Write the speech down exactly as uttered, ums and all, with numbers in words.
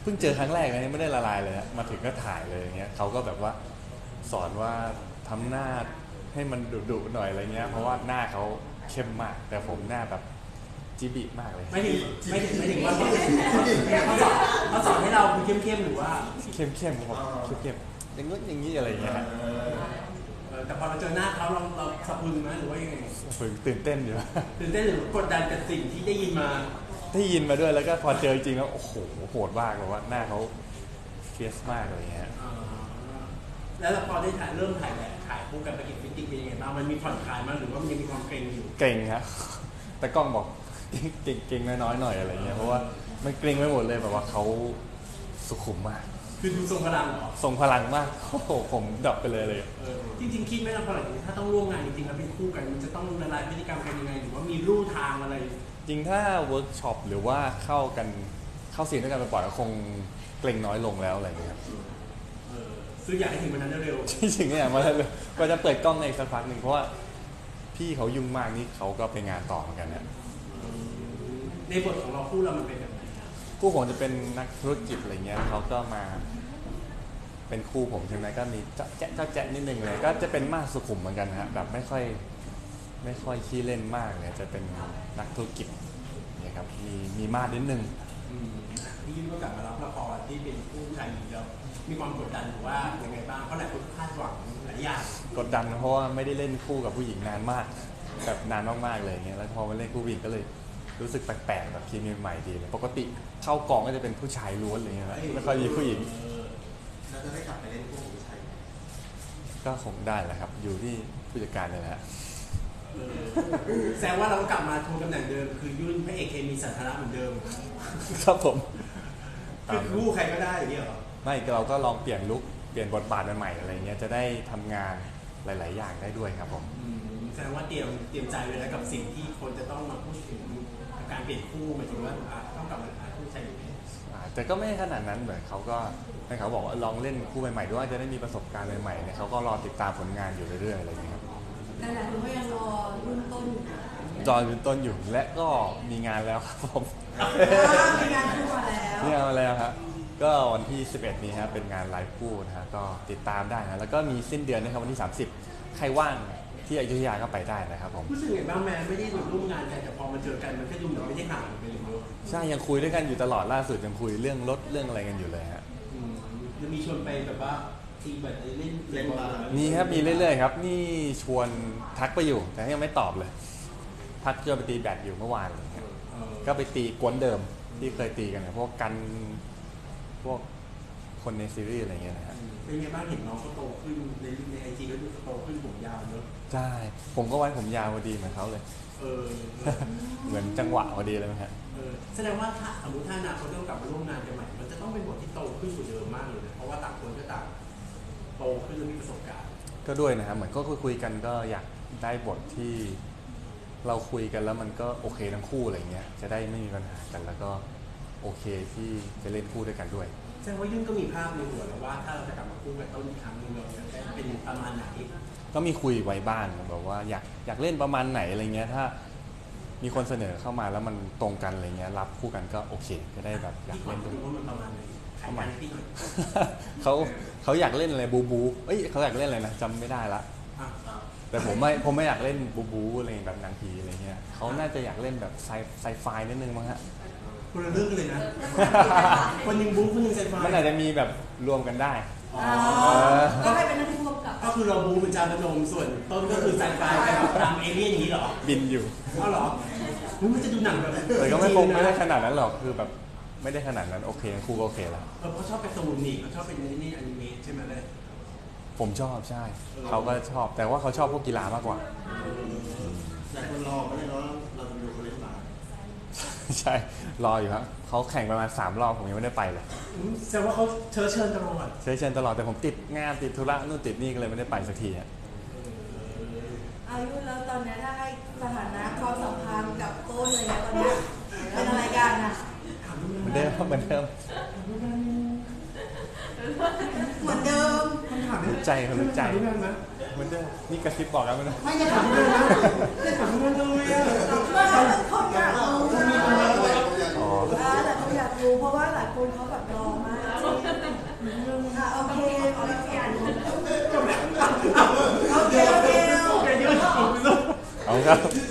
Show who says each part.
Speaker 1: เพิ่งเจอครั้งแรกนะยังไม่ได้ละลายเลยฮะมาถึงก็ถ่ายเลยอย่างเงี้ยเขาก็แบบว่าสอนว่าทำหน้าให้มันดุๆหน่อยอะไรเงี้ยเพราะว่าหน้าเขาเข้มมากแต่ผมหน้าแบบจิบิมากเลย
Speaker 2: ไม่ถึงไม่ถึงไม่ถึงว่าเขาเขาสอนเขาสอนให้เราเข้มเข้มหรือว่า
Speaker 1: เข้มๆผมเข้มๆอย่างงี้อย่างงี้อะไรเงี้ย
Speaker 2: แต่พอเราเจอหน้าเขาเราเราสะพรึงไหมหรือว่ายังไง
Speaker 1: ฝึกตื่นเต้นอยู่
Speaker 2: ตื่นเต้นหรือกดดันกับสิ่งที่ได้ยินมา
Speaker 1: ได้ยินมาด้วยแล้วก็พอเจอจริงแล้วโอ้โหโหดมากเลยว่าหน้าเขาเฟียสมากเลยเงี้ย
Speaker 2: แล้วพอได้ถ่ายเริ่มถ่ายแบบถ่ายคู่กันไปกินฟิตติ้งเป็นยังไงบ้างมันมีผ่อนคลายมั้ยหรือว่ามันยังมีความเกรงอยู่
Speaker 1: เกรงครับแต่กล้องบอกเก่งเก่งน้อยๆหน่อยอะไรเงี้ยเพราะว่ามันเกรงไปหมดเลยแบบว่าเขาสุขุมมาก
Speaker 2: คือดูทรงพลังเหรอ
Speaker 1: ทรงพลังมากโอ้โหผมดับไปเลยเลย
Speaker 2: จริงๆคิดไหมล่ะพอหลังจากนี้ถ้าต้องร่วมงานจริงๆแล้วเป็นคู่กันมันจะต้องละลายพฤติกรรมกันยังไงหรือว่ามีรูทางอะไร
Speaker 1: จริงถ้าเวิร์กช็อปหรือว่าเข้ากันเข้าซีนด้วยกันไปปล่อยก็คงเกรงน้อยลงแล้วอะไรเงี้ยครับ
Speaker 2: คืออยากให้ถึงวันนั้นเร็ว
Speaker 1: ๆจริงๆเนี่ยมาเลยก็จะเปิดกล้องในสักพักหนึ่งเพราะว่าพี่เขายุ่งมากนี่เขาก็ไปงานต่อเหมือนกันเนี่ย
Speaker 2: ในบทของเราคู่เรามันเป็นแบบไหน
Speaker 1: คู่ผมจะเป็นนักธุรกิจอะไรเงี้ยเขาก็มาเป็นคู่ผมใช่ไหมก็มีเจ้าแจ๊ะเจ้าแจ๊ะนิดนึงเลยก็จะเป็นมากสุขุมเหมือนกันฮะแบบไม่ค่อยไม่ค่อยขี้เล่นมากเนี่ยจะเป็นนักธุรกิจเนี่ยครับมีมีมาดนิดนึง
Speaker 2: พี่ยุ่งก็กลับมารับละครที่เป็นคู่ชายหญิงแล้วมีความกดดันหรือว่ายังไงบ้างเพราะหลายคนคาดหวังหลายอย่าง
Speaker 1: กดดันเพราะว่าไม่ได้เล่นคู่กับผู้หญิงนานมากแบบนานมากๆเลยเงี้ยแล้วพอมาเล่นคู่ผู้หญิงก็เลยรู้สึกแปลกๆแบบเคมีใหม่ดีเลยปกติเข้ากองก็จะเป็นผู้ชายล้วนอะไรเงี้ยไม่ค่อยมีผู้หญิง
Speaker 3: เราจะได้กลับไปเล่นคู่ผู้ชาย
Speaker 1: ก็คงได้แหละครับอยู่ที่ผู้จัดการเลยแหละ
Speaker 2: แสดงว่าเราก็กลับมาทวงตำแหน่งเดิมคือยุ่นพระเอกเคมีสาธารณะเหมือนเดิม
Speaker 1: ครับผม
Speaker 2: คือคู่ใครก็ได้อย่างนี้เหรอ
Speaker 1: ไม่เราก็ลองเปลี่ยนลุคเปลี่ยนบทบาทใหม่ๆอะไรเงี้ยจะได้ทำงานหลายๆอย่างได้ด้วยครับผม
Speaker 2: แสดงว่าเตรียมเตรียมใจไว้แล้วกับสิ่งที่คนจะต้องมาพูดถึงการเปลี่ยนคู่หมายถึงว่าต้องกลับมาหาคู่ชายหญิง
Speaker 1: แต่ก็ไม่ขนาดนั้นเหมือนเขาก็ให้เขาบอกว่าลองเล่นคู่ใหม่ๆด้วยจะได้มีประสบการณ์ใหม่ๆเนี่ยเขาก็รอติดตามผลงานอยู่เรื่อยๆอะไรอย่างเงี้ยครับ
Speaker 4: แต่หลายคนก็ยังรอรุ่นต้น
Speaker 1: จอยรุ่นต้นอยู่และก็มีงานแล้วครับผม
Speaker 4: มีงานคู่มาแล้ว
Speaker 1: มีงานมาแล้วครับก็วันที่สิบเอ็ดนี้ครับเป็นงานไลฟ์คู่นะฮะก็ติดตามได้นะแล้วก็มีสิ้นเดือนนะครับวันที่สามสิบใครว่างที่อยุธยาก็ไปได้นะครับผม
Speaker 2: รู้สึกไงบ้างแม่ไม่ได้ร่วมงานกันแต่พอมาเจอกันมันก็ดูเหมือนไม่ได้ห่างกันเลยเนอะ
Speaker 1: ใช่ยังคุยด้วยกันอยู่ตลอดล่าสุดยังคุยเรื่องรถเรื่องอะไรกันอยู่เลยฮะ
Speaker 2: จะมีชวนไปแบบว่าทีแบบเล่นเล่นบา
Speaker 1: ร์มีครับมีเรื่อยๆครับนี่ชวนทักไปอยู่แต่ยังไม่ตอบเลยทักจะไปตีแบดอยู่เมื่อวานอะไรเงี้ยก็ไปตีกวนเดิมที่เคยตีกันเนี่ยพวกกันพวกคนในซีรีส์อะไรเงี้ยนะฮะ
Speaker 2: เป็นไงบ้างเห็นน้องเขาโตขึ้นในในไอจีก็ดูโตขึ้นผมยาวเนอะ
Speaker 1: ใช่ผมก็ไว้ผมยาวพอดีเหมือนเขาเลย
Speaker 2: เออ
Speaker 1: เหมือนจังหวะพอดีเลยไหมฮะ
Speaker 2: แสดงว่าถ้าสมมติถ้าอนาคตต้องกลับมาร่วมงานกันใหม่มันจะต้องเป็นบทที่โตขึ้นกว่าเดิมมากเลยนะเพราะว่าต่างคนก็ต่างโตขึ้นและมีประสบการณ์
Speaker 1: ก็ด้วยนะครับเหมือนก็คุยกันก็อยากได้บทที่เราคุยกันแล้วมันก็โอเคทั้งคู่อะไรเงี้ยจะได้ไม่มีปัญหากันแล้วก็โอเคที่จะเล่นคู่ด้วยกันด้วย
Speaker 2: แสดงว่ายุ่งก็มีภาพในหัวแล้วว่าถ้าเราจะกลับมาคู่กันต้นอีกครั้งนึงเราจะเป็นประมาณไหน
Speaker 1: ก็มีคุยไว้บ้างแบบว่าอยากอยากเล่นประมาณไหนอะไรเงี้ยถ้ามีคนเสนอเข้ามาแล้วมันตรงกันอะไรเงี้ยรับคู่กันก็โอเคก็ได้แบบอยากเล่นด้วย
Speaker 2: ว่ามันประมาณไหน
Speaker 1: ประมาณเขาเขาอยากเล่นอะไรบูบูเอ้ยเขาอยากเล่นอะไรนะจำไม่ได้ละแต่ผมไม่ผมไม่อยากเล่นบูบูอะไรแบบนางพีอะไรเงี้ยเขาน่าจะอยากเล่นแบบไซไซไฟนิดนึงมั้งฮะ
Speaker 2: คนละเรื่องเลยนะคนนึงบูคนนึงไซไฟ
Speaker 1: มันอาจจะมีแบบรวมกันได้
Speaker 4: ก็ให้เป็นหน้าที่ร่วมกับ
Speaker 2: ก็คือเราบูเป็นจานพนมส่วนต้นก็คือไซไฟไปแบบตามเอเลี่ยนอย่างนี้เหรอ
Speaker 1: บินอยู่
Speaker 2: อ๋อเหรอมันจะดูหนังแบบ
Speaker 1: แต่ก็ไม่คงไม่ได้ขนาดนั้นหรอกคือแบบไม่ได้ขนาดนั้นโอเคครูก็โอเคแล้ว
Speaker 2: เออเขาชอบเป็นตูนนี่เขาชอบเป็นนี่อนิเมะใช่ไหมเลย
Speaker 1: ผมชอบใช่เขาก็ชอบแต่ว่าเขาชอบพวกกีฬามากกว่า
Speaker 3: แต่คนรอไม่ได้รอเราจะดูเขาเล่นบาส
Speaker 1: ใช่รออยู่ครับเขาแข่งประมาณสามรอบผมยังไม่ได้ไปเลย
Speaker 2: แสดงว่าเขาเชิญเชิญตลอด
Speaker 1: เชิญเชิญตลอดแต่ผมติดงานติดธุระนู่นติดนี่ก็เลยไม่ได้ไปสักทีอ่ะ
Speaker 4: อายุแล้วตอนนี้ถ้าให้สถานะความสัมพันธ์กับต้นอะไรเงี้ยตอนนี้เป็นอะไรกันอ่ะ
Speaker 1: เหมือนเดิมเหมือนเดิม
Speaker 4: เหมือนเดิม
Speaker 1: รู้ใจเขารู้ใจเหมือนเดิมนี่กระซิบบอกกันมั้ยนะ
Speaker 2: ไม่จะถามเรื่องนะจะถามเรื่องเลยอ่ะ
Speaker 4: เขาอยากรู้อ๋อแต่เขาอยากรู้รู้เพราะว่าหลายคนเขาแบบรอมากอ่ะโอเคโอเคโอเคโอเค
Speaker 2: แกยืดผมไปลูก
Speaker 1: เอาครับ